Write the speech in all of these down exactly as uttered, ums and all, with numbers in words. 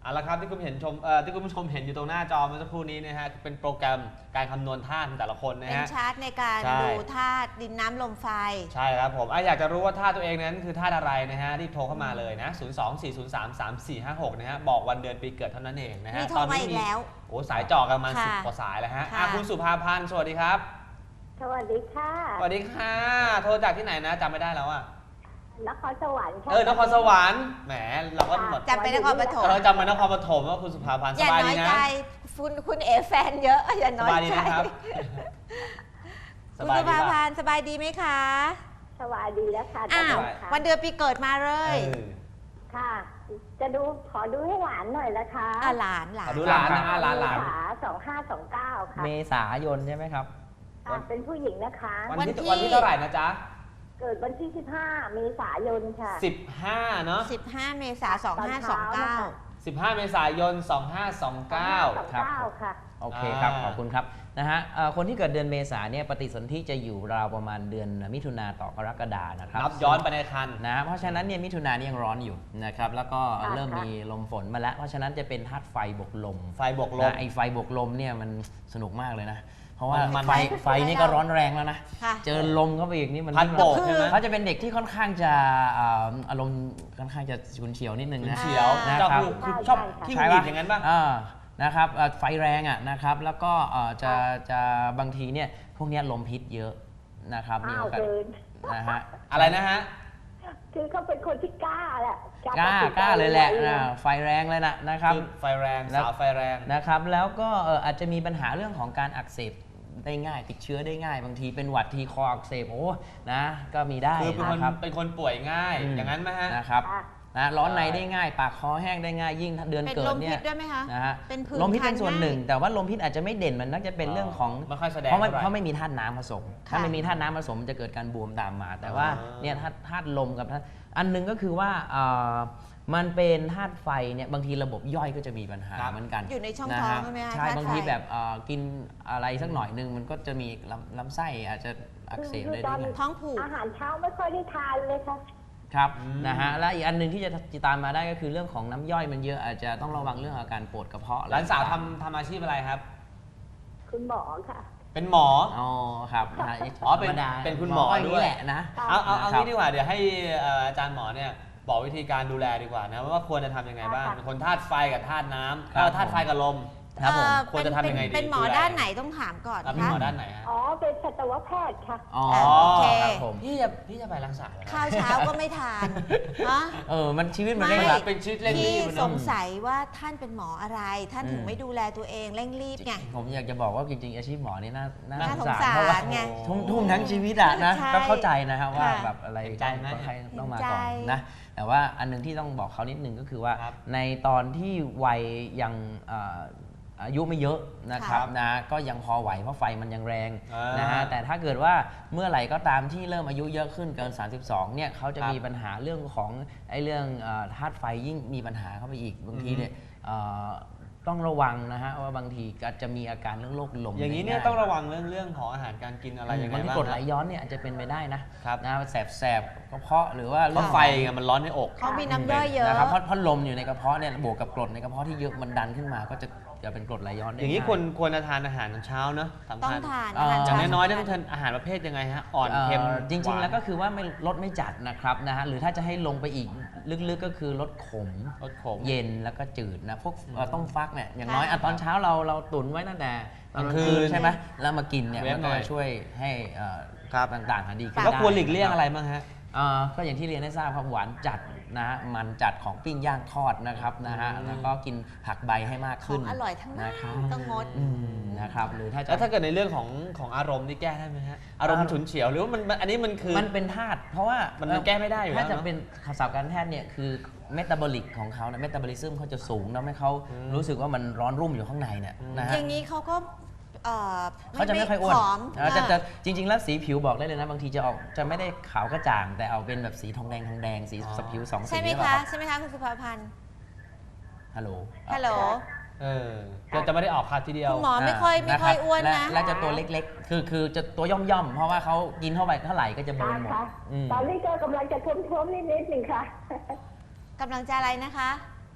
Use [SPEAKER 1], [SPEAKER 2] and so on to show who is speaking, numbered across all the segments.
[SPEAKER 1] เอาละครับที่คุณเห็นชมเอ่อที่คุณผู้ชมเห็นอยู่ตรงหน้าจอเมื่อสักครู่นี้นะฮะเป็นโปรแกรมการคำนวณธาตุของแต่ละคนนะ
[SPEAKER 2] เป็น
[SPEAKER 1] ฮะ
[SPEAKER 2] ชาร์ตในการ
[SPEAKER 1] ใช่
[SPEAKER 2] ดูธาตุดินน้ำลมไฟ
[SPEAKER 1] ใช่ครับผมอะอยากจะรู้ว่าธาตุตัวเองนั้นคือธาตุอะไรนะฮะรีบโทรเข้ามาเลยนะ ศูนย์ สอง สี่ ศูนย์ สาม สาม สี่ ห้า หก นะฮะบอกวันเดือนปีเกิดเท่านั้นเองนะฮะ
[SPEAKER 2] มีโทรมาอีกแล้ว
[SPEAKER 1] โอ้สายจ่อกันประมาณ
[SPEAKER 2] ค่ะ
[SPEAKER 1] สิบกว่าสายแล้วฮะ
[SPEAKER 2] ค่ะ
[SPEAKER 1] อ่ะคุณสุภาพันธ์สวัสดีครับ
[SPEAKER 3] สวัสดีค่ะ
[SPEAKER 1] สวัสดีค่ะโทรจากที่ไหนนะจำไม่ได้แล้วอะ
[SPEAKER 3] นครสวรรค์ค่ะ
[SPEAKER 1] เออนครสวรรค์แหมเราก็แบบ
[SPEAKER 2] จำเป็นนครปฐม
[SPEAKER 1] เราจำมานครปฐมว่าคุณสุภาพันธ์
[SPEAKER 2] อ
[SPEAKER 1] ส
[SPEAKER 2] ย่า
[SPEAKER 1] บาย
[SPEAKER 2] น้
[SPEAKER 1] ดี
[SPEAKER 2] อย
[SPEAKER 1] นะ
[SPEAKER 2] ใจคุณคุณเอแฟนเยอะอย่า
[SPEAKER 1] ส
[SPEAKER 2] น้อย
[SPEAKER 1] บายดี
[SPEAKER 2] ใจ
[SPEAKER 1] นะครับ
[SPEAKER 2] คุณสุภาพันธ์สบายดีไหมคะ
[SPEAKER 3] สวัสดีแล้วค่ะ
[SPEAKER 2] อ้าว
[SPEAKER 3] สวัสดีค่ะ
[SPEAKER 2] วันเดือนปีเกิดมาเล
[SPEAKER 1] เอย อ
[SPEAKER 3] ค่ะ จะดูขอดูให้หลานหน่อยนะคะ
[SPEAKER 2] อ่ะหลานหลา
[SPEAKER 1] ขอน ดูหลานนะหลานหลาน
[SPEAKER 3] ขาสองห้าสองเก้าค่ะ
[SPEAKER 4] เมษายนใช่ไหมครับ
[SPEAKER 3] อ่ะเป็นผู้หญิงนะคะ
[SPEAKER 1] วันที่วันที่เท่าไหร่นะจ๊ะ
[SPEAKER 3] เกิดวันที่สิบห้าเมษายนค่ะ
[SPEAKER 1] สิบห้าเนาะ
[SPEAKER 2] สิบห้าเมษายนสองห้าสองเก้า
[SPEAKER 1] สิบห้าเมษายนสองห้าสองเก้า
[SPEAKER 3] สองเก้าค่ะ
[SPEAKER 4] โอเคครับ
[SPEAKER 1] อ่า
[SPEAKER 4] ขอบคุณครับนะฮะเอ่อคนที่เกิดเดือนเมษาเนี่ยปฏิสนธิจะอยู่ราวประมาณเดือนมิถุนาต่อกรกฎานะครับ
[SPEAKER 1] นับย้อนไปในคัน
[SPEAKER 4] นะเพราะฉะนั้นเนี่ยมิถุนานี่ยังร้อนอยู่นะครับแล้วก็
[SPEAKER 3] ค่ะ
[SPEAKER 4] เริ่มมีลมฝนมาแล้ว เพราะฉะนั้นจะเป็นธาตุไฟบวกลม
[SPEAKER 1] ไฟบวกลม
[SPEAKER 4] นะไอไฟบวกลมเนี่ยมันสนุกมากเลยนะ เพราะว่า
[SPEAKER 1] มัน
[SPEAKER 4] ไฟไฟนี่ก็ร้อนแรงแล้วนะ
[SPEAKER 2] ค่ะ
[SPEAKER 4] เจอลมเข้าไปอีกนี่มัน
[SPEAKER 1] พัดโบกใช่ไหม
[SPEAKER 4] เขาจะเป็นเด็กที่ค่อนข้างจะอ่าอารมณ์ค่อนข้างจะฉุนเฉียวนิดนึงนะ
[SPEAKER 1] เฉียว
[SPEAKER 4] นะ
[SPEAKER 1] เจ้า
[SPEAKER 4] ครับ
[SPEAKER 1] คือคือ
[SPEAKER 3] ใช่
[SPEAKER 1] ชอบ
[SPEAKER 3] ใช่
[SPEAKER 1] ที่
[SPEAKER 4] ใช่
[SPEAKER 1] หงุดหงิ
[SPEAKER 4] ปะ
[SPEAKER 1] ดอย่างนั้นป่ะ
[SPEAKER 4] อ่านะครับเอ่อไฟแรงอ่ะนะครับแล้วก็เอ่อจะจะบางทีเนี่ยพวกเนี้ยลมพิษเยอะนะครับมี
[SPEAKER 3] อ้า
[SPEAKER 4] โอ
[SPEAKER 3] ว
[SPEAKER 4] กาส
[SPEAKER 3] เกิน
[SPEAKER 4] นะฮะ
[SPEAKER 1] อะไรนะฮะ
[SPEAKER 3] คือเขาเป็นคนที่กล้าแหละ
[SPEAKER 4] กล้ากล้าเลยแหละอ่าไฟแรงเลยนะนะครับ
[SPEAKER 1] คือไฟแรง
[SPEAKER 4] แล้ว
[SPEAKER 1] สาวไฟแรง
[SPEAKER 4] นะครับแล้วก็เอ่ออาจจะมีปัญหาเรื่องของการอักเสบได้ง่ายติดเชื้อได้ง่าย บางทีเป็นหวัดทีคออักเสบโอ้นะก็มีได้
[SPEAKER 1] คือเป็นคน
[SPEAKER 4] นะครับ
[SPEAKER 1] เป็นคนป่วยง่าย
[SPEAKER 4] อืม
[SPEAKER 1] อย่างนั้นไหมฮะ
[SPEAKER 4] นะครับ
[SPEAKER 3] ค่ะ
[SPEAKER 4] นะร้อนใน
[SPEAKER 1] ใช่
[SPEAKER 4] ได้ง่าย ปากคอแห้งได้ง่ายยิ่งถ้าเดือน
[SPEAKER 2] เป็น
[SPEAKER 4] เกิ
[SPEAKER 2] ล
[SPEAKER 4] ด
[SPEAKER 2] ม
[SPEAKER 4] เนี่
[SPEAKER 2] พิ
[SPEAKER 4] ย
[SPEAKER 2] ษด้วยไหมคะ
[SPEAKER 4] นะฮะ
[SPEAKER 2] เป็นผื่น
[SPEAKER 4] ลมพิษเป็นส่วนหนึ่ง
[SPEAKER 2] คันง่าย
[SPEAKER 4] แต่ว่าลมพิษอาจจะไม่เด่นมันน่าจะเป็นเรื่องของ
[SPEAKER 1] ไม่ค่อยแสดง
[SPEAKER 4] เพราะมัน
[SPEAKER 1] เท่าไหร่
[SPEAKER 4] เพราะไม่มีธาตุน้ำผสม ถ้า
[SPEAKER 2] ค่ะ
[SPEAKER 4] ไม่มีธาตุน้ำผสมมันจะเกิดการบวมตามมา แต่ว่า
[SPEAKER 1] อ่า
[SPEAKER 4] เนี่ยธาตุธาตุลมกับธาตุอันหนึงก็คือว่าเอ่อมันเป็นธาตุไฟเนี่ยบางทีระบบย่อยก็จะมีปัญหา
[SPEAKER 1] ครับ
[SPEAKER 4] เหมือนกัน
[SPEAKER 2] อยู่ในช่อง
[SPEAKER 4] นะ
[SPEAKER 2] ท้อง
[SPEAKER 4] ฮะ
[SPEAKER 2] ใช่ไหมคะ
[SPEAKER 4] ใช่
[SPEAKER 2] ธาตุ
[SPEAKER 4] บางที
[SPEAKER 2] ไฟ
[SPEAKER 4] แบบเอ่อกินอะไรสักหน่อยนึงมันก็จะมีลำลำไส้อาจจะอักเสบ
[SPEAKER 3] คือ
[SPEAKER 4] ได้
[SPEAKER 3] ต
[SPEAKER 4] ด้
[SPEAKER 3] อ
[SPEAKER 4] วน ย
[SPEAKER 2] ท้องผูก
[SPEAKER 3] อาหารเช้าไม่ค่อยได้ทานเลยค่ะ
[SPEAKER 4] ครับ
[SPEAKER 1] อืม
[SPEAKER 4] นะฮะและอีกอันหนึงที่จะจะตามมาได้ก็คือเรื่องของน้ำย่อยมันเยอะอาจจะต้องระวังเรื่องอาการปวดกระเพาะ
[SPEAKER 1] หลานสาวทำทำอาชีพอะไรครับ
[SPEAKER 3] คุณหมอค่ะ
[SPEAKER 1] เป็นหมอ
[SPEAKER 4] อ๋อครับนะฮะ
[SPEAKER 1] อ๋อเป็น
[SPEAKER 4] ธรรมดา
[SPEAKER 1] เป็นคุณหมอ
[SPEAKER 4] ก็าง
[SPEAKER 1] ด้
[SPEAKER 4] นี้
[SPEAKER 1] วย
[SPEAKER 4] แหละนะ
[SPEAKER 3] ค่ะ
[SPEAKER 1] เอาเอาเอา
[SPEAKER 4] นะครับ
[SPEAKER 1] งี้ดีกว่าเดี๋ยวให้เอ่ออาจารย์หมอเนี่ยบอกวิธีการดูแลดีกว่านะว่าควรจะทำยังไงบ้าง
[SPEAKER 3] ค่ะ
[SPEAKER 1] เป็นคนธาตุไฟกับธาตุน้ำ
[SPEAKER 4] ครับ
[SPEAKER 1] เอ่อธาตุไฟกับลม
[SPEAKER 4] ครับผม
[SPEAKER 2] เอ่อ
[SPEAKER 1] ควรจะทำยังไงดี
[SPEAKER 2] เป็นหมอ
[SPEAKER 1] ดูแล
[SPEAKER 2] ด้านไหนต้องถามก่อน
[SPEAKER 1] อ่ะเป็น
[SPEAKER 2] คะ
[SPEAKER 1] หมอด้านไหนฮะ
[SPEAKER 3] อ๋อ เป็นสัตวแพทย์ค่ะ
[SPEAKER 4] อ๋อ
[SPEAKER 2] โอเค
[SPEAKER 4] ครับผม
[SPEAKER 1] พี่จะพี่จะไปรักษาเหรอครับ
[SPEAKER 2] ข้าวเช้าก็ไม่ทานฮะ
[SPEAKER 4] เออมันชีวิตมัน
[SPEAKER 2] ไม่
[SPEAKER 4] เร่งรัด
[SPEAKER 1] เป็นชีวิตเร่งรี
[SPEAKER 2] พี่
[SPEAKER 1] บ
[SPEAKER 2] ส
[SPEAKER 1] เนอะ
[SPEAKER 2] งสัยว่าท่านเป็นหมออะไร ท่านถึง
[SPEAKER 4] อืม
[SPEAKER 2] ไม่ดูแลตัวเองเร่งรีบไง
[SPEAKER 4] ผมอยากจะบอกว่าจริงๆอาชีพหมอนี่น่าน่า
[SPEAKER 2] น่า
[SPEAKER 4] สงสาร
[SPEAKER 2] สงสาร
[SPEAKER 4] เพราะว่า
[SPEAKER 2] ไง
[SPEAKER 4] ทุ่มทุ่มทั้งชีวิตอะนะ
[SPEAKER 2] ใช่
[SPEAKER 4] ก็เข้าใจนะครับว่า
[SPEAKER 2] ค่ะ
[SPEAKER 4] แบบอะไร
[SPEAKER 1] เห็นใจไหม
[SPEAKER 4] ก็ใครต้องมา
[SPEAKER 2] เห็นใจ
[SPEAKER 4] ก่อนนะแต่ว่าอันหนึงที่ต้องบอกเขานิดนึงก็คือว่า
[SPEAKER 1] ครับ
[SPEAKER 4] ในตอนที่วัยยังเอ่ออายุไม่เยอะนะครับ
[SPEAKER 1] ค่ะ
[SPEAKER 4] นะก็ยังพอไหวเพราะไฟมันยังแรง
[SPEAKER 1] อ่าน
[SPEAKER 4] นะฮะแต่ถ้าเกิดว่าเมื่อไหร่ก็ตามที่เริ่มอายุเยอะขึ้นเกิน สามสิบสองเนี่ยเขาจะ
[SPEAKER 1] ครับ
[SPEAKER 4] มีปัญหาเรื่องของไอ้เรื่องเอ่อธาตุไฟยิ่งมีปัญหาเข้าไปอีกบางทีเนี่ยเอ่อต้องระวังนะฮะว่าบางทีอาจจะมีอาการเรื่องโรคลม
[SPEAKER 1] อย่างนี้เนี่ย
[SPEAKER 4] ได้
[SPEAKER 1] ต้องระวังเรื่องเรื่องของอาหารการกินอะไรยังไง
[SPEAKER 4] บางที
[SPEAKER 1] บ้าง
[SPEAKER 4] กรดไหล
[SPEAKER 1] ครับ
[SPEAKER 4] ย้อนเนี่ยอาจจะเป็นไปได้นะครับ นะแสบแสบๆกระเพาะหรือว่า
[SPEAKER 1] เพราะไฟไงมันร้อนในอก
[SPEAKER 2] เขามีน้ำย่อยเยอะ
[SPEAKER 4] นะครับเพราะเพราะลมอยู่ในกระเพาะเนี่ยบวกกับกรดในกระเพาะที่เยอะมันดันขึ้นมาก็จะจะเป็นกรดไหลย้อนได้
[SPEAKER 1] อย่างนี้
[SPEAKER 4] ง่
[SPEAKER 1] ควรควรจะทานอาหารตอนเช้าเนอะสำ
[SPEAKER 2] ต้อง
[SPEAKER 1] คัญ
[SPEAKER 2] ทาน
[SPEAKER 4] เอ่อ
[SPEAKER 2] ทาน
[SPEAKER 1] อย่าง
[SPEAKER 2] เช้
[SPEAKER 1] น้อยๆ
[SPEAKER 2] สำ
[SPEAKER 1] ต้อง
[SPEAKER 2] คัญ
[SPEAKER 1] ทานอาหารประเภทยังไงฮะอ่อนเค็ม
[SPEAKER 4] อ่อจริง ๆ แล้วก็
[SPEAKER 1] หาน
[SPEAKER 4] คือว่าไม่ลดไม่จัดนะครับนะฮะหรือถ้าจะให้ลงไปอีกลึกๆก็คือลดขม
[SPEAKER 1] รสขม
[SPEAKER 4] เย็นแล้วก็จืดนะพวกเอ่อต้มฟักเนี่ยอย่างน้อย
[SPEAKER 2] ค่ะ
[SPEAKER 4] อ่ะตอนเช้าเราเราตุนไว้ตั้งแต่ตอนกลางคื
[SPEAKER 1] กลางคื
[SPEAKER 4] น
[SPEAKER 1] น
[SPEAKER 4] ใช่ไหมแล้วมากินเนี่ย
[SPEAKER 1] เว้
[SPEAKER 4] มัน น
[SPEAKER 1] หน่
[SPEAKER 4] ก็
[SPEAKER 1] อย
[SPEAKER 4] จะช่วยให้เอ่อ
[SPEAKER 1] ครับ
[SPEAKER 4] ต่างๆหาดีขึ้น
[SPEAKER 1] แล้วควรหลีก
[SPEAKER 4] ด้
[SPEAKER 1] เลี่ยง
[SPEAKER 4] นคบ
[SPEAKER 1] อะไรบ้างฮะ
[SPEAKER 4] เอ่อก็อย่างที่เรียนให้ทราบครับหวานจัดนะฮะมันจัดของปิ้งย่างทอดนะครับนะฮะ
[SPEAKER 1] อืม
[SPEAKER 4] แล้วก็กินผักใบให้มาก
[SPEAKER 2] ขอ
[SPEAKER 4] ขึ้น
[SPEAKER 2] งอร่อยทั้งนั้น
[SPEAKER 4] นะครับ
[SPEAKER 2] ต้องงด
[SPEAKER 4] อืมนะครับหรือถ้าจะ
[SPEAKER 1] แล้วถ้าเกิดในเรื่องของของอารมณ์นี่แก้ได้ไหมฮะอารมณ์
[SPEAKER 4] อ่า
[SPEAKER 1] ฉุนเฉียวหรือว่ามันมันอันนี้มันคือ
[SPEAKER 4] มันเป็นธาตุเพราะว่า
[SPEAKER 1] มัน
[SPEAKER 4] เอ่อ
[SPEAKER 1] แก้ไม่ได้อยู่แล้ว
[SPEAKER 4] ถ้าจะ
[SPEAKER 1] เนอะ
[SPEAKER 4] เป็นศัพท์การแพทย์เนี่ยคือเมตาบอลิกของเขานะเมตาบอลิซึมเขาจะสูงทำให้เขา
[SPEAKER 1] อืม
[SPEAKER 4] รู้สึกว่ามันร้อนรุ่มอยู่ข้างในเนี่ย
[SPEAKER 1] อืม
[SPEAKER 4] นะฮะ
[SPEAKER 2] อย่างนี้เขาก็เอ่อ
[SPEAKER 4] เขาจะไม่ค่อยอ้วน
[SPEAKER 2] ผอม
[SPEAKER 4] อ่าจะ
[SPEAKER 2] อ่ะ
[SPEAKER 4] จะจริง ๆ แล้วสีผิวบอกได้เลยนะบางทีจะออกจะไม่ได้ขาวกระจ่าง แต่เอาเป็นแบบสีทองแดงทองแดงสี
[SPEAKER 1] อ๋อ
[SPEAKER 4] สผิวสองสี
[SPEAKER 2] ใช่ไหม
[SPEAKER 4] รือเป
[SPEAKER 2] คะ
[SPEAKER 4] ล่ารับ
[SPEAKER 2] ใช่ไหมคะคุณสุภาพันธ์
[SPEAKER 4] ฮัลโหล
[SPEAKER 2] ฮัลโหล
[SPEAKER 1] เออจะจะไม่ได้ออกคัดทีเดียว
[SPEAKER 2] คุณหมอไม่ค่อยไม่
[SPEAKER 4] า
[SPEAKER 2] ค่อย
[SPEAKER 4] รับ
[SPEAKER 2] อ้วน
[SPEAKER 4] และ
[SPEAKER 2] นะ
[SPEAKER 4] และจะตัวเล็กๆ คือคือจะตัวย่อมๆ เพราะว่าเขากินเท่าไหร่เท่าไหร่ก็จะเบิร์นหมด
[SPEAKER 3] ค่ะ
[SPEAKER 4] อืม
[SPEAKER 3] ตอนนี้ก็กำลังจะท้วมๆนิดๆหนึ่งค่ะ
[SPEAKER 2] กำลังจะอะไรนะคะ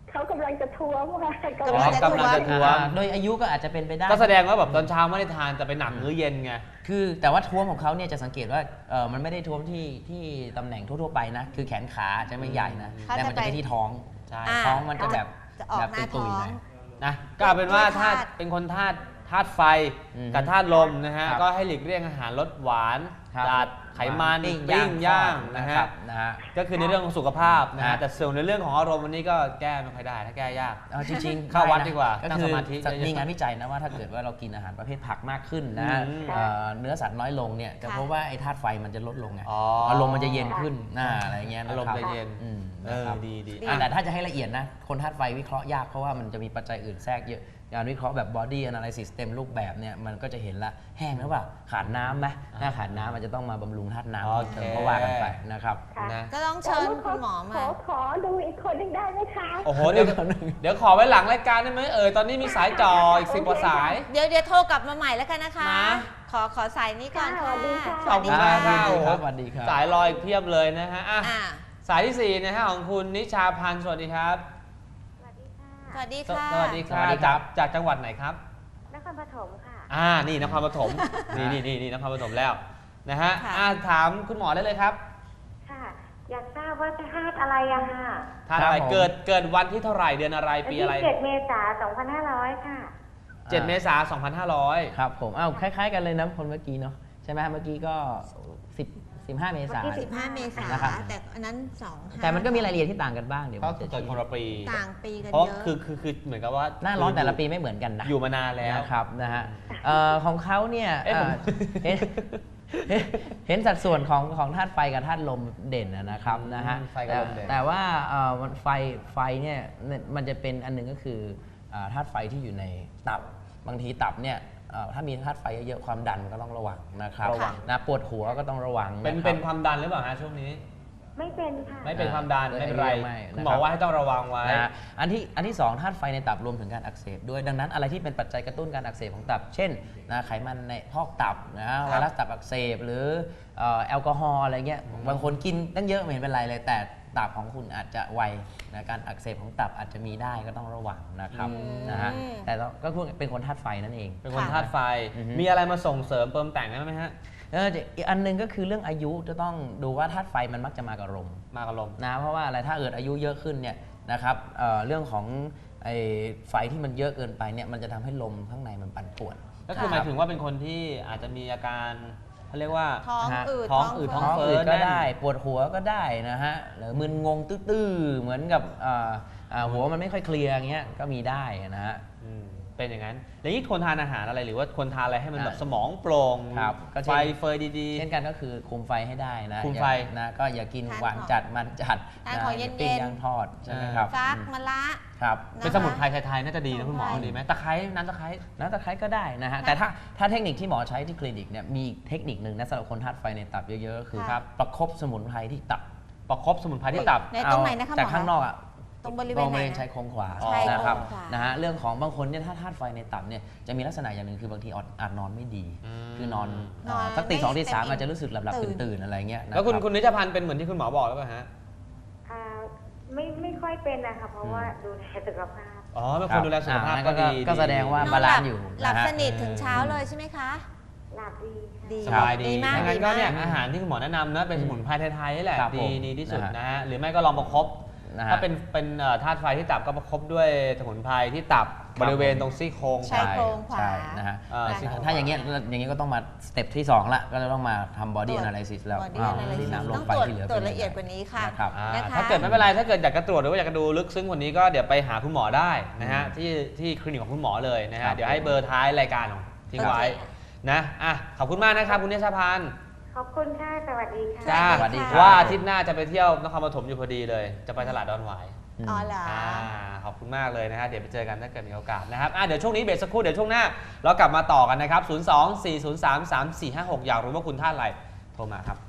[SPEAKER 3] เขากำลังจะท้วงว่าก
[SPEAKER 1] อ๋อกำลังจะท้วง
[SPEAKER 4] อ่าโดยอายุก็อาจจะเป็นไปได้
[SPEAKER 1] ก็แสดงว่าแบบตอนเช้าไม่ได้ทานแต่ไปหนักมื้อเย็นไง
[SPEAKER 4] คือแต่ว่าท้วมของเขาเนี่ยจะสังเกตว่าเออมันไม่ได้ท้วมที่ที่ตำแหน่งทั่วๆไปนะ คือแขนขาจะไม่ใหญ่นะ
[SPEAKER 2] เขา
[SPEAKER 4] แต่
[SPEAKER 2] จะ
[SPEAKER 4] มันจะไป
[SPEAKER 2] ไป
[SPEAKER 4] ที่ท้อง
[SPEAKER 1] ใช่
[SPEAKER 2] อ่า
[SPEAKER 4] ท้องมันจะแบบ
[SPEAKER 2] จะออก
[SPEAKER 4] แบบ
[SPEAKER 2] หน้า
[SPEAKER 4] ตุ
[SPEAKER 2] ท้อย
[SPEAKER 4] ๆห
[SPEAKER 2] ง
[SPEAKER 4] น่อย
[SPEAKER 1] นะก็เอาเป็นว่า
[SPEAKER 2] ด้วยธา
[SPEAKER 1] ถ้า
[SPEAKER 2] ตุ
[SPEAKER 1] เป็นคนธาตุธาตุไฟ
[SPEAKER 4] อืม
[SPEAKER 1] กับธาตุลมนะฮะ
[SPEAKER 4] ครับ
[SPEAKER 1] ก็ให้หลีกเลี่ยงอาหารรสหวาน
[SPEAKER 4] ครับ
[SPEAKER 1] จัดไขมัน
[SPEAKER 4] ปิ้ง
[SPEAKER 1] ปิ้งย่าง
[SPEAKER 4] ทอด
[SPEAKER 1] นะ
[SPEAKER 4] ค
[SPEAKER 1] ฮะ
[SPEAKER 4] รับนะฮะ
[SPEAKER 1] ก็คือในเรื่องของสุขภาพนะฮะ
[SPEAKER 4] ฮะ
[SPEAKER 1] แต่ส่วนในเรื่องของอารมณ์วันนี้ก็แก้ไม่ค่อยได้ถ้าแก้ยาก
[SPEAKER 4] เอาจริงๆ
[SPEAKER 1] เข้าวัด
[SPEAKER 4] ไนะ
[SPEAKER 1] ดีกว่า
[SPEAKER 4] ก็
[SPEAKER 1] นั่ง
[SPEAKER 4] คื
[SPEAKER 1] ส
[SPEAKER 4] อ
[SPEAKER 1] มาธิเยอะๆ
[SPEAKER 4] มีงานวิจัยนะว่าถ้าเกิดว่าเรากินอาหารประเภทผักมากขึ้นนะ
[SPEAKER 1] อืม
[SPEAKER 4] เอ่อเนื้อสัตว์น้อยลงเนี่ยจะ
[SPEAKER 2] ค่ะ
[SPEAKER 4] พบว่าไอ้ธาตุไฟมันจะลดลงไง
[SPEAKER 1] อ๋อ
[SPEAKER 4] อารมณ์มันจะเย็นขึ้นน่าอะไรเงี้ยนคบ
[SPEAKER 1] อารมณ์จะเย็น
[SPEAKER 4] อืม
[SPEAKER 1] เอ
[SPEAKER 4] นะ
[SPEAKER 1] อ
[SPEAKER 4] ครับ
[SPEAKER 1] ดีดี
[SPEAKER 2] ดี
[SPEAKER 4] อ่ะแต่ถ้าจะให้ละเอียดนะ คนธาตุไฟวิเคราะห์ยากเพราะว่ามันจะมีปัจจัยอื่นแทรกเยอะการวิเคราะห์แบบ body analysis เต็มรูปแบบเนี่ยมันก็จะเห็นละแห้งหรือเปล่าขาดน้ำไหมถ้าขาดน้ำมันจะต้องมาบำรุงธาตุน้ำ
[SPEAKER 1] โอ
[SPEAKER 4] เพิ่ม
[SPEAKER 1] เค
[SPEAKER 4] เติมก็ว่ากันไปนะครับ
[SPEAKER 3] ค่ะ
[SPEAKER 1] นะ
[SPEAKER 2] ก็ต้องเชิญคุณหมอ
[SPEAKER 3] ข
[SPEAKER 2] มา
[SPEAKER 3] อขอดูอีกคนหนึงได้ไหมคะ
[SPEAKER 1] โอ้โหเดี๋ยวเดี๋ยวขอไว้หลังรายการได้ไหมเอ่ยตอนนี้มีสายจ่ออีกสิบกว่าสาย
[SPEAKER 2] เดี๋ยวเดี๋ยวโทรกลับมาใหม่แล้วกันนะคะ
[SPEAKER 1] นะ
[SPEAKER 2] ขอขอสายนี้ก่อน
[SPEAKER 3] ค่ะ
[SPEAKER 2] ค่ะ
[SPEAKER 3] สวัสดีค่ะ
[SPEAKER 1] ขอบคุณมากครับ
[SPEAKER 4] สวัสดี
[SPEAKER 1] โอ้โห
[SPEAKER 4] ครับสวัสดีครับ
[SPEAKER 1] สายรออีกเพียบเลยนะฮะอ่ะ
[SPEAKER 2] อ่า
[SPEAKER 1] สายที่สี่นะฮะของคุณนิชาพันธ์สวัสดีครับ
[SPEAKER 3] สวัสดีค่ะ
[SPEAKER 2] สวัสดี
[SPEAKER 1] ส
[SPEAKER 2] ค่ะ
[SPEAKER 1] สวัสดีค
[SPEAKER 4] ส
[SPEAKER 1] รั
[SPEAKER 4] วั
[SPEAKER 1] บ
[SPEAKER 4] สดีครั
[SPEAKER 1] จาก
[SPEAKER 4] บ
[SPEAKER 1] จากจังหวัดไหนครับ
[SPEAKER 3] นครปฐมค่ะ
[SPEAKER 1] อ่านี่นครปฐมนี่นี่นี่นี่นครปฐมแล้วนะฮะอ่าถามคุณหมอได้เลยครับ
[SPEAKER 3] ค่ะ อยากทราบว่าธาตุอะไรอะค่ะ
[SPEAKER 1] ท่านอะไร
[SPEAKER 4] ครับผม
[SPEAKER 1] เกิดเกิดวันที่เท่าไหร่เดือนอะไร
[SPEAKER 3] วัน
[SPEAKER 1] ปี
[SPEAKER 3] ที่
[SPEAKER 1] อะไร
[SPEAKER 3] เจ็ดเมษายนสองพันห้าร้อยค่ะ
[SPEAKER 1] เจ็ดเมษายนสองพันห้าร้อย
[SPEAKER 4] ครับผมอ้าวคล้าย ๆ กันเลยนะคนเมื่อกี้เนาะใช่ไหมเมื่อกี้ก็สิบสิบห้าเมษายน
[SPEAKER 3] เมื่อกี้
[SPEAKER 2] สิบห้าเมษาย
[SPEAKER 4] นะครับ
[SPEAKER 2] นแต่อันนั้นสองห้า
[SPEAKER 4] แต่มันก็มีรายละเอียดที่ต่างกันบ้างเดี๋ยว
[SPEAKER 1] ก็
[SPEAKER 4] ผม
[SPEAKER 1] คือ
[SPEAKER 4] จะ
[SPEAKER 1] เกิดคนละปี
[SPEAKER 2] ต่างปีกัน
[SPEAKER 1] เพราะ
[SPEAKER 2] เยอะ
[SPEAKER 1] คือคือคือเหมือนกับว่า
[SPEAKER 4] หน้าร้อนแต่ละปีไม่เหมือนกันนะ
[SPEAKER 1] อยู่มานานแล้ว
[SPEAKER 4] นะครับนะฮะเอ่อของเขาเนี่ย
[SPEAKER 1] เอ๊ะผม
[SPEAKER 4] เอ่อเห็นเห็นเห็นสัดส่วนของของธาตุไฟกับธาตุลมเด่นนะนะครับนะฮะ
[SPEAKER 1] ไฟกับลมเด่น
[SPEAKER 4] แต่ว่าเอ่อมันไฟไฟเนี่ยมันจะเป็นอันหนึ่งก็คืออ่าธาตุไฟที่อยู่ในตับบางทีตับเนี่ยเอ่อถ้ามีธาตุไฟเยอะๆความดันก็ต้องระวังนะครับ
[SPEAKER 1] ระวัง
[SPEAKER 4] นะปวดหัวก็ต้องระวัง
[SPEAKER 1] เป็น
[SPEAKER 4] นะครับ
[SPEAKER 1] เป็นความดันหรือเปล่าฮะช่วงนี้
[SPEAKER 3] ไม่เป็นค่ะ
[SPEAKER 1] ไม่เป็นความดัน
[SPEAKER 4] เออ
[SPEAKER 1] ไม่เป็นไร
[SPEAKER 4] ไม่
[SPEAKER 1] คุณหมอ
[SPEAKER 4] นะครับ
[SPEAKER 1] ว่าให้ต้องระวังไว้
[SPEAKER 4] นะฮะอันที่อันที่สองธาตุไฟในตับรวมถึงการอักเสบด้วยดังนั้นอะไรที่เป็นปัจจัยกระตุ้นการอักเสบของตับ เช่นนะไขมันในพอกตับนะไวรัสตับอักเสบหรือเอ่อแอลกอฮอล์อะไรเงี้ยบางคนกินตั้งเยอะไม่เห็นเป็นไรเลย แต่ตับของคุณอาจจะไวนะการอักเสบของตับอาจจะมีได้ก็ต้องระวังนะครับ
[SPEAKER 1] อืม
[SPEAKER 4] นะฮะแต่เราก็พูดเป็นคนธาตุไฟนั่นเอง
[SPEAKER 1] เป็นคน
[SPEAKER 2] ค่ะ
[SPEAKER 1] ธาตุไฟ
[SPEAKER 4] อือฮึ
[SPEAKER 1] มีอะไรมาส่งเสริมเติมแต่งได้ไหมฮะ
[SPEAKER 4] เอออีกอันหนึงก็คือเรื่องอายุจะต้องดูว่าธาตุไฟมันมักจะมากับลม
[SPEAKER 1] มากระลม
[SPEAKER 4] นะเพราะว่าอะไรถ้าเกิดอายุเยอะขึ้นเนี่ยนะครับเอ่อเรื่องของไอ้ไฟที่มันเยอะเกินไปเนี่ยมันจะทำให้ลมข้างในมันปั่นป่วน
[SPEAKER 1] ก็คือหมายถึงว่าเป็นคนที่อาจจะมีอาการเขาเรียกว่า
[SPEAKER 2] ท้อง
[SPEAKER 4] นะฮะ
[SPEAKER 2] อืด
[SPEAKER 1] ท้องอืด
[SPEAKER 2] เฟ้
[SPEAKER 1] ท้
[SPEAKER 4] ท้
[SPEAKER 1] อ
[SPEAKER 4] อง ง
[SPEAKER 1] เฟ้
[SPEAKER 4] อื
[SPEAKER 1] อ
[SPEAKER 4] ดก็
[SPEAKER 1] แน่น
[SPEAKER 4] ได้ปวดหัวก็ได้นะฮะหรือมึนงงตื้อๆเหมือนกับอ่าอ่าหัวมันไม่ค่อยเคลียร์อย่างเงี้ยก็มีได้นะฮะ
[SPEAKER 1] อืมเป็นอย่างนั้นอย่างนี้ควรทานอาหารอะไรหรือว่าควรทานอะไรให้มันแบบ
[SPEAKER 4] อ่า
[SPEAKER 1] สมองโปร่ง
[SPEAKER 4] ครับก็เช่
[SPEAKER 1] ไฟ
[SPEAKER 4] น
[SPEAKER 1] เฟยดี
[SPEAKER 4] เช่นกันก็คือคุมไฟให้ได้นะ
[SPEAKER 1] คุม
[SPEAKER 4] อย่า
[SPEAKER 1] ไฟ
[SPEAKER 4] นะก็อย่ากิน
[SPEAKER 2] ทาน
[SPEAKER 4] หวาน
[SPEAKER 2] ของ
[SPEAKER 4] จัดมันจัด
[SPEAKER 2] ทานของ
[SPEAKER 4] ะ
[SPEAKER 2] เย็นๆ
[SPEAKER 4] ปิ้งย่างทอดใช่ไหมครับ
[SPEAKER 2] ฟัก
[SPEAKER 4] อืม
[SPEAKER 2] มะละ
[SPEAKER 4] ครับ
[SPEAKER 1] ๆ เป็นสมุนไพรไทยๆน่าจะดีนะคุณหมอ
[SPEAKER 2] สมุนไพร
[SPEAKER 1] ดีไหมตะไคร้น้ำตะไคร้
[SPEAKER 4] น้ำตะไคร้ก็ได้นะฮะแต่ถ้าถ้าเทคนิคที่หมอใช้ที่คลินิกเนี่ยมีอีกเทคนิคหนึ่งนะสำหรับคนธาตุไฟในตับเยอะๆก็คือ
[SPEAKER 2] ครับ
[SPEAKER 4] ประคบสมุนไพรที่ตับ
[SPEAKER 1] ประคบสมุนไพรที่ตับ
[SPEAKER 2] ในตรงไหนนะคะหมอ
[SPEAKER 4] จากข้างนอกอ่ะ
[SPEAKER 2] ตรงบริเว
[SPEAKER 4] ตร
[SPEAKER 2] ณ
[SPEAKER 4] งบ
[SPEAKER 2] ไหน
[SPEAKER 4] ริเวณ
[SPEAKER 2] นะ
[SPEAKER 4] ชายโครงขวา
[SPEAKER 1] ชายโครง
[SPEAKER 4] นะครับ
[SPEAKER 2] ขวาน
[SPEAKER 4] นะฮะเรื่องของบางคนเนี่ยถ้าธาตุไฟในตับเนี่ยจะมีลักษณะอย่างหนึ่งคือบางทีอาจอาจนอนไม่ดี
[SPEAKER 1] อืม
[SPEAKER 4] คือนอน
[SPEAKER 2] นอน
[SPEAKER 4] เอ่อสักตีสองตีสาม
[SPEAKER 2] ไม่เต็ม
[SPEAKER 4] อาจจะรู้สึกหลับ
[SPEAKER 2] ตื่น
[SPEAKER 4] ๆตื่นๆอะไรเงี้ยนะ
[SPEAKER 1] แล้วคุณ
[SPEAKER 4] รับ
[SPEAKER 1] คุณนิชพันธ์เป็นเหมือนที่คุณหมอบอกหรือเปล่าฮะ
[SPEAKER 3] อ่าไม่ไม่ค่อยเป็นนะคะเพราะว่าดูแลสุขภาพ
[SPEAKER 1] อ๋อเป็นคนดูแลสุขภาพ
[SPEAKER 4] อ่
[SPEAKER 1] ก็ดี
[SPEAKER 4] ก็แสดงว่า
[SPEAKER 2] นอน
[SPEAKER 4] บา
[SPEAKER 2] ห
[SPEAKER 4] ลา
[SPEAKER 2] ลั
[SPEAKER 4] นซ์อยู่
[SPEAKER 2] หลับ
[SPEAKER 4] นะฮะ
[SPEAKER 2] สนิทถึงเช้าเลยใช่ไหมคะ
[SPEAKER 3] หลับดีค่ะ
[SPEAKER 2] ดี
[SPEAKER 1] สบายดี
[SPEAKER 2] ดีมาก
[SPEAKER 1] ดังนั้นก็เนี่ย
[SPEAKER 2] ดีมาก
[SPEAKER 1] อาหารที่คุณหมอแนะนำนะเป็นสมุนไพรไทยๆนี่แหละ
[SPEAKER 4] ครับ
[SPEAKER 1] ดี
[SPEAKER 4] ผม
[SPEAKER 1] ดีที่สุด
[SPEAKER 4] นะฮะ
[SPEAKER 1] นะฮะหรือไม่ก็ลองประคบ
[SPEAKER 4] นะฮะ
[SPEAKER 1] ถ้าเป็นเป็นเอ่อธาตุไฟที่ตับก็ประคบด้วยสมุนไพรที่ตับบริเวณตรงซี่โครง
[SPEAKER 2] ใช่ โครงขวา
[SPEAKER 4] ใช่นะฮะ
[SPEAKER 1] อ่า
[SPEAKER 4] แต่
[SPEAKER 1] ซี่โครงขวา
[SPEAKER 4] ถ้าอย่างเงี้ยอย่างเงี้ยก็ต้องมาสเต็ปที่สองละก็จะต้องมาทำ body
[SPEAKER 2] ตรวจ
[SPEAKER 4] analysis แล้ว
[SPEAKER 2] body
[SPEAKER 4] อ้าว
[SPEAKER 2] analysis
[SPEAKER 4] ดินน้ำล
[SPEAKER 2] ต้
[SPEAKER 4] ม
[SPEAKER 2] อง
[SPEAKER 4] ไฟ
[SPEAKER 2] ตรวจ
[SPEAKER 4] ที่เหลือ
[SPEAKER 2] ตรวจ
[SPEAKER 4] ป็น
[SPEAKER 2] ละเอียด
[SPEAKER 4] งไง
[SPEAKER 2] กว่านี้ค่ะ
[SPEAKER 4] นะครับ
[SPEAKER 1] อ่า
[SPEAKER 2] นะคะ
[SPEAKER 1] ถ้าเกิดไม่เป็นไรถ้าเกิดอยากจะตรวจหรือว่าอยากจะดูลึกซึ้งกว่านี้ก็เดี๋ยวไปหาคุณหมอได้นะฮะที่ที่คลินิกของคุณหมอเลยนะ
[SPEAKER 4] ครั
[SPEAKER 1] ฮะ
[SPEAKER 4] บ
[SPEAKER 1] เดี๋ยวให้เบอร์ท้ายรายการของทิ้งไว้
[SPEAKER 2] โอเค
[SPEAKER 1] นะอ่ะขอบคุณมากนะครับคุณนิชพันธ์
[SPEAKER 3] ขอบคุณค่ะ สวัสดีค่ะ
[SPEAKER 1] จ้า
[SPEAKER 4] สวัสดีครับ
[SPEAKER 1] ว่าอาทิตย์หน้าจะไปเที่ยวนครปฐมอยู่พอดีเลย จะไปตลาดดอนหวาย
[SPEAKER 2] อ๋อเหรอ
[SPEAKER 1] อ่าขอบคุณมากเลยนะฮะเดี๋ยวไปเจอกันถ้าเกิดมีโอกาสนะครับอ่ะเดี๋ยวช่วงนี้เบรกสักครู่เดี๋ยวช่วงหน้าเรากลับมาต่อกันนะครับศูนย์ สอง สี่ ศูนย์ สาม สาม สี่ ห้า หกอยากรู้ว่าคุณท่าตุอะไรโทรมาครับ